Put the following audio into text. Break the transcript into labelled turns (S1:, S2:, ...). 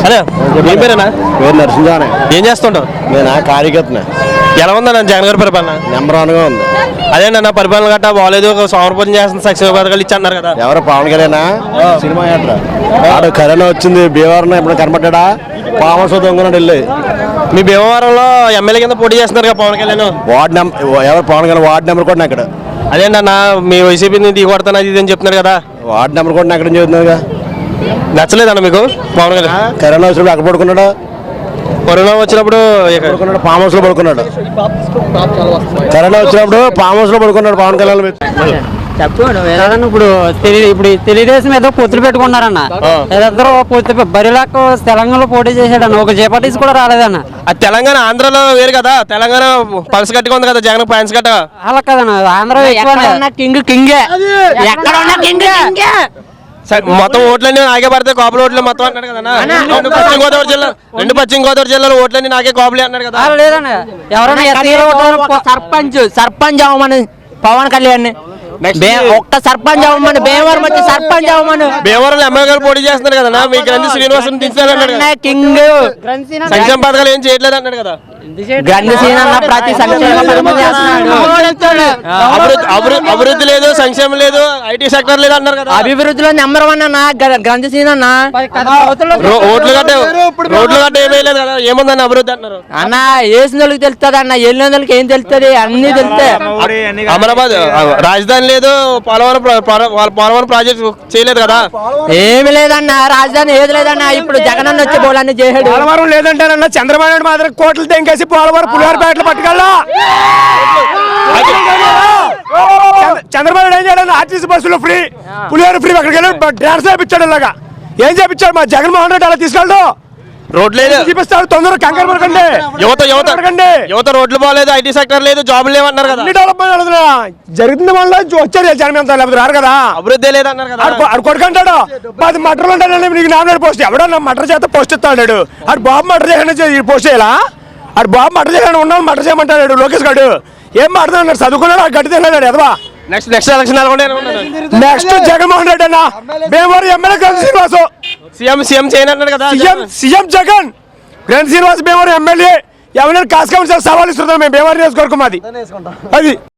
S1: అదే ఏం పేరేనా?
S2: పేరు నరసింహానే.
S1: ఏం చేస్తుంటావు?
S2: నేను కార్యకర్తనే.
S1: ఎలా ఉందన్న జగన్ గారి పరిపాలన?
S2: నెంబర్ 1గా ఉంది.
S1: అదేంటన్న పరిపాలన గట్టా బాగాలేదు, సౌరభం చేస్తున్న సంక్షేమ పథకాలు ఇచ్చి అన్నారు కదా.
S2: ఎవరు పవన్ కళ్యాణ్ సినిమా యాత్ర ఆడు కరోనా వచ్చింది, భీమవరం ఎప్పుడు కనపడ్డా పామస్ దొంగనాడు వెళ్ళి.
S1: మీ భీమవరంలో ఎమ్మెల్యే కింద పోటీ చేస్తున్నారు కదా పవన్ కళ్యాణ్.
S2: ఎవరు పవన్ కళ్యాణ్ వార్డు నెంబర్ కూడా అక్కడ.
S1: అదేంటన్న మీ వైసీపీని దిగొడతాను అది అని చెప్తున్నారు కదా.
S2: వార్డు నెంబర్ కూడా అక్కడ చెబుతున్నాగా.
S1: నచ్చలేదన్న మీకు పవన్ కళ్యాణ్?
S2: కరోనా వచ్చినప్పుడు అక్కడ పడుకున్నాడు.
S1: కరోనా వచ్చినప్పుడు
S2: ఫామ్ హౌస్ లో పడుకున్నాడు. కరోనా వచ్చినప్పుడు ఫామ్ హౌస్ లో పడుకున్నాడు పవన్ కళ్యాణ్.
S3: ఇప్పుడు తెలుగుదేశం ఏదో పొత్తులు పెట్టుకున్నారన్న, ఏదో పొత్తు బరిలాకు తెలంగాణలో పోటీ చేశాడన్న, ఒక జేపటీస్ కూడా రాలేదన్న.
S1: అది తెలంగాణ ఆంధ్రలో వేరు కదా, తెలంగాణ పల్స్ గట్టిగా ఉంది కదా, జగన్ పాయింట్స్ గట్ట
S3: అలా కదన్న. ఆంధ్ర కింగే
S1: మొత్తం ఓట్లన్నీ నాకే పడతాయి, కాపుల ఓట్లు మొత్తం అన్నాడు కదా. రెండు పశ్చిమ గోదావరి జిల్లాలో ఓట్లన్నీ నాకే కాపులే అన్నాడు కదా.
S3: లేదన్న, ఎవరైనా
S4: సర్పంచ్ అవ్వమని పవన్ కళ్యాణ్ ఒక్క సర్పంచ్ అవ్వమని, భీమవరం వచ్చి సర్పంచ్ అవ్వమని.
S1: భీమవరం ఎమ్మెల్యే గారు పోటీ చేస్తున్నారు కదా, మీ గ్రంథి శ్రీనివాసం దించాలన్నాడు.
S4: కింగ్
S1: సంక్షేమ పథకాలు ఏం చేయట్లేదు అన్నాడు కదా.
S4: గ్రంథి శ్రీనన్న ప్రతి
S1: అభివృద్ధి లేదు, సంక్షేమం లేదు, ఐటీ సెక్టర్ లేదు అన్నారు కదా.
S4: అభివృద్ధిలో నెంబర్ 1 అన్న గ్రంథి శ్రీనన్న.
S1: రోడ్లు గట్ట ఏమీ లేదు కదా, ఏముందని అభివృద్ధి అంటున్నారు
S4: అన్న. వేసిన వాళ్ళకి తెలుస్తుంది అన్న, వెళ్ళిన వాళ్ళకి ఏం తెలుస్తుంది, అన్ని తెలుస్తాయి.
S1: అమరాబాద్ రాజధాని లేదు, పోలవరం ప్రాజెక్ట్ చేయలేదు కదా.
S4: ఏమి లేదన్న, రాజధాని ఏది లేదన్న. ఇప్పుడు జగన్ అన్న వచ్చి పోలన్నీ చేసాడు.
S5: పోలవరం లేదంటారన్న, చంద్రబాబు నాయుడు మాత్రం కోట్లు తెంకేసి పోలవరం పులిహోరపేటలు పట్టుకెళ్ళా. చంద్రబాబు నాయుడు ఏం చేయాలి, ఆర్టీసీ బస్సులు ఫ్రీ, పులిహోర ఫ్రీ, అక్కడికి వెళ్ళి డాన్స్ చేయించాడు. ఇలాగా ఏం చేయించాడు మా జగన్మోహన్ రెడ్డి, అలా తీసుకెళ్ళడు.
S1: రోడ్ లేదు
S5: చూపిస్తాడు, తొందరగా కంగారు పడకండి.
S1: యువత రోడ్లు బాగాలేదు, ఐటీ సెక్టర్ లేదు, జాబులు లేవన్నారు కదా.
S5: డెవలప్మెంట్ జరుగుతుంది, వల్ల వచ్చారు జనం అంతా, లేకపోతే రారు కదా.
S1: అభివృద్ధి లేదన్నారు కదా.
S5: ఆడు కొడుకుంటాడు 10 మటర్లు ఉంటాడు, నీకు నామినేట్ పోస్ట్ ఎవడన్నా మటర్ చేత పోస్ట్ ఇస్తాడు. ఆడు బాబు మటర్ చేయడానికి పోస్ట్ చేయాలా? ఆడు బాబు మటర్ చేయడానికి ఉన్నాడు, మటర్ చేయమంటాడు లోకేష్ గారు. ఏం మాట్లాడుతున్నాడు, చదువుకున్నాడు, ఆ గడ్డి తిన్నాడు ఎదవా.
S1: Next election
S5: next Jaganmohan Reddy అన్న, భీమవరం ఎమ్మెల్యే గ్రంథి శ్రీనివాసు
S1: సీఎం చేయనన్నాడు కదా.
S5: సీఎం జగన్, గ్రంథి శ్రీనివాస్ భీమవరం ఎమ్మెల్యే. ఎవరైనా కాస్కౌన్సిల్ సవాల్ ఇస్తున్నాం మేము, భీమవరం నియోజకవర్గం అది.